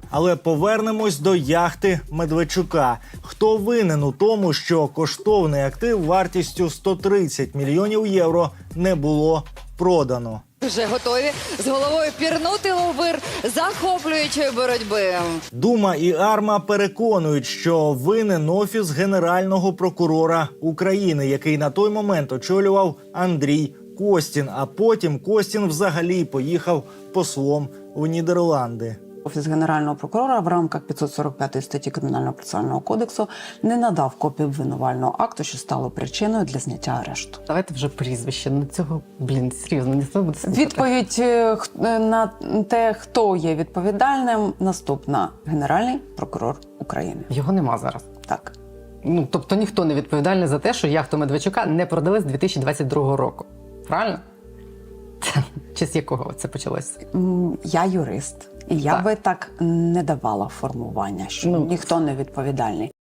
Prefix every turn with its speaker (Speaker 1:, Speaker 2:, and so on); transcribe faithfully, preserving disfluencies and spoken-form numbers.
Speaker 1: Але повернемось до яхти Медведчука. Хто винен у тому, що коштовний актив вартістю сто тридцять мільйонів євро не було продано?
Speaker 2: Вже готові з головою пірнути у вир захоплюючої боротьби.
Speaker 1: Дума і АРМА переконують, що винен Офіс Генерального прокурора України, який на той момент очолював Андрій Костін, а потім Костін взагалі поїхав послом в Нідерланди.
Speaker 3: Офіс Генерального прокурора в рамках п'ятсот сорок п'ятої статті Кримінального процесуального кодексу не надав копію обвинувального акту, що стало причиною для зняття арешту.
Speaker 4: Давайте вже прізвище. Ну цього, блін, серйозно, ніхто буде слухати.
Speaker 3: Відповідь е, х- е, на те, хто є відповідальним, наступна. Генеральний прокурор України.
Speaker 4: Його нема зараз.
Speaker 3: Так.
Speaker 4: Ну, тобто ніхто не відповідальний за те, що яхту Медведчука не продали з дві тисячі двадцять другого року. Правильно? Чи з якого це почалося?
Speaker 3: М, Я юрист. І я
Speaker 4: Так.
Speaker 3: би так не давала формування, що
Speaker 4: Ну,
Speaker 3: ніхто не відповідальний.